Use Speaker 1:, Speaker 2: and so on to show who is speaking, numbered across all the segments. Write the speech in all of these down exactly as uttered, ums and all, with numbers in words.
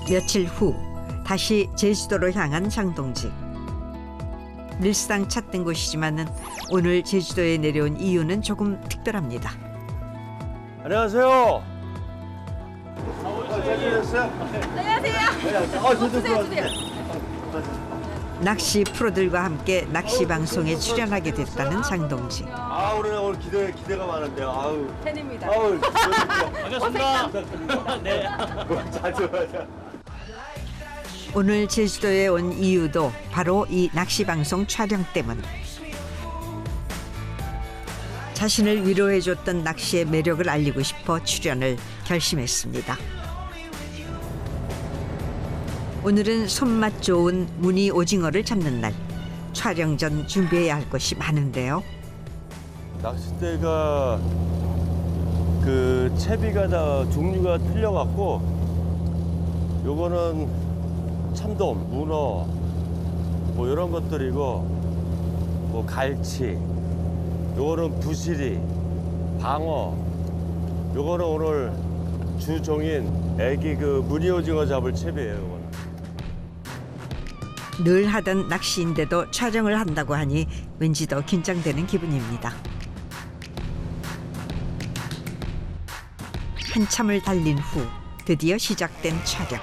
Speaker 1: 며칠 후 다시 제주도로 향한 장동지. 늘상 찾던 곳이지만은 오늘 제주도에 내려온 이유는 조금 특별합니다.
Speaker 2: 안녕하세요. 잘 지냈어요?
Speaker 3: 안녕하세요.
Speaker 2: 아, 저도
Speaker 3: 주세요.
Speaker 1: 낚시 프로들과 함께 낚시 방송에 출연하게 됐다는 장동지.
Speaker 2: 아, 오늘 오늘 기대 기대가 많은데요. 아우.
Speaker 3: 팬입니다.
Speaker 2: 아우.
Speaker 4: 반갑습니다. 네.
Speaker 2: 잘 들어가자.
Speaker 1: 오늘 제주도에 온 이유도 바로 이 낚시 방송 촬영 때문. 자신을 위로해줬던 낚시의 매력을 알리고 싶어 출연을 결심했습니다. 오늘은 손맛 좋은 무늬 오징어를 잡는 날. 촬영 전 준비해야 할 것이 많은데요.
Speaker 2: 낚싯대가 그 채비가 다 종류가 틀려갖고 요거는 참돔, 문어 뭐 이런 것들이고 뭐 갈치, 요거는 부시리, 방어, 요거는 오늘 주종인 애기 그 무늬 오징어 잡을 채비예요. 요거는.
Speaker 1: 늘 하던 낚시인데도 촬영을 한다고 하니 왠지 더 긴장되는 기분입니다. 한참을 달린 후 드디어 시작된 촬영.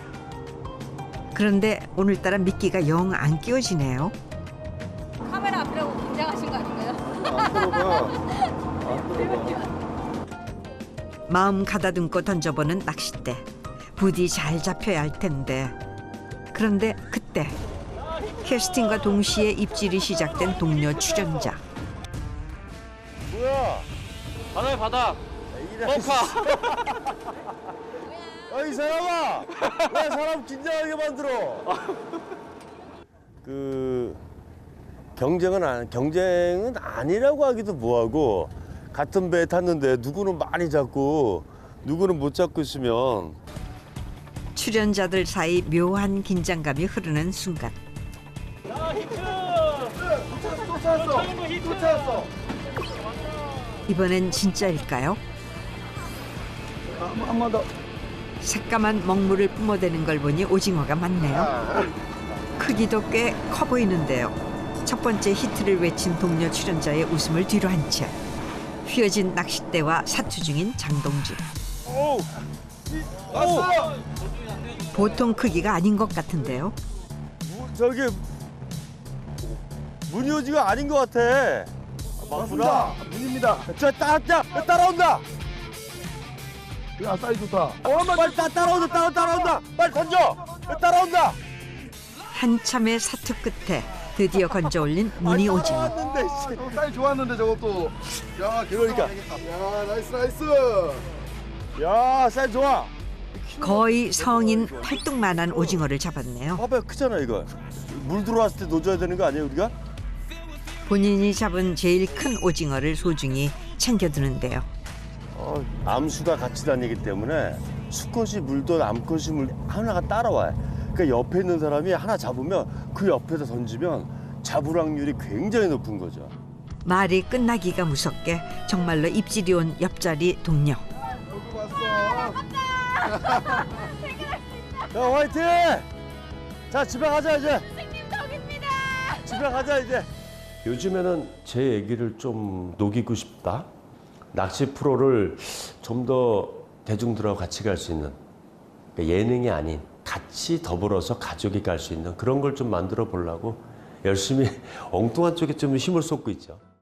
Speaker 1: 그런데 오늘따라 미끼가 영 안 끼워지네요.
Speaker 3: 카메라 앞이라고 긴장하신 거 아닌가요?
Speaker 2: 안 들어가. 안 들어가.
Speaker 1: 마음 가다듬고 던져보는 낚싯대. 부디 잘 잡혀야 할 텐데. 그런데 그때 캐스팅과 동시에 입질이 시작된 동료 출연자.
Speaker 2: 뭐야?
Speaker 4: 바다에 바다.
Speaker 2: 이래.
Speaker 4: 뻥카.
Speaker 2: 야, 이 사람아! 왜 사람 긴장하게 만들어? 그 경쟁은 안, 경쟁은 아니라고 하기도 뭐하고 같은 배에 탔는데 누구는 많이 잡고 누구는 못 잡고 있으면
Speaker 1: 출연자들 사이 묘한 긴장감이 흐르는 순간.
Speaker 4: 자, 히트.
Speaker 2: 또 찾았어! 또 찾았어!
Speaker 1: 이번엔 진짜일까요?
Speaker 2: 한 번 더.
Speaker 1: 새까만 먹물을 뿜어대는 걸 보니 오징어가 많네요. 크기도 꽤 커 보이는데요. 첫 번째 히트를 외친 동료 출연자의 웃음을 뒤로 한 채 휘어진 낚싯대와 사투 중인 장동지.
Speaker 2: 오! 왔어!
Speaker 1: 보통 크기가 아닌 것 같은데요.
Speaker 2: 무, 저기 문효지가 아닌 것 같아. 맞구나. 문입니다. 저 따, 따, 따라온다.
Speaker 5: 야, 사이즈 좋다.
Speaker 2: 어, 빨리 따, 따라온다, 따라, 따라온다. 빨리 던져. 따라온다.
Speaker 1: 한참의 사투 끝에 드디어 건져 올린 무늬 오징어.
Speaker 2: 왔는데,
Speaker 5: 어, 사이즈 좋았는데 저것도. 야,
Speaker 2: 그러니까.
Speaker 5: 야, 나이스, 나이스.
Speaker 2: 야, 사이즈 좋아.
Speaker 1: 거의 성인 팔뚝만한 오징어를 잡았네요.
Speaker 2: 봐봐요, 크잖아 이거. 물 들어왔을 때 놓줘야 되는 거 아니에요 우리가?
Speaker 1: 본인이 잡은 제일 큰 오징어를 소중히 챙겨두는데요.
Speaker 2: 어, 암수가 같이 다니기 때문에 수컷이 물든 암컷이 물 하나가 따라와요. 그러니까 옆에 있는 사람이 하나 잡으면 그 옆에서 던지면 잡을 확률이 굉장히 높은 거죠.
Speaker 1: 말이 끝나기가 무섭게 정말로 입질이 온 옆자리 동료.
Speaker 5: 여기 왔어.
Speaker 2: 야, 화이팅! 자, 집에 가자 이제.
Speaker 3: 선생님 덕입니다.
Speaker 2: 집에 가자 이제. 요즘에는 제 얘기를 좀 녹이고 싶다. 낚시 프로를 좀 더 대중들하고 같이 갈 수 있는, 그러니까 예능이 아닌 같이 더불어서 가족이 갈 수 있는 그런 걸 좀 만들어 보려고 열심히 엉뚱한 쪽에 좀 힘을 쏟고 있죠.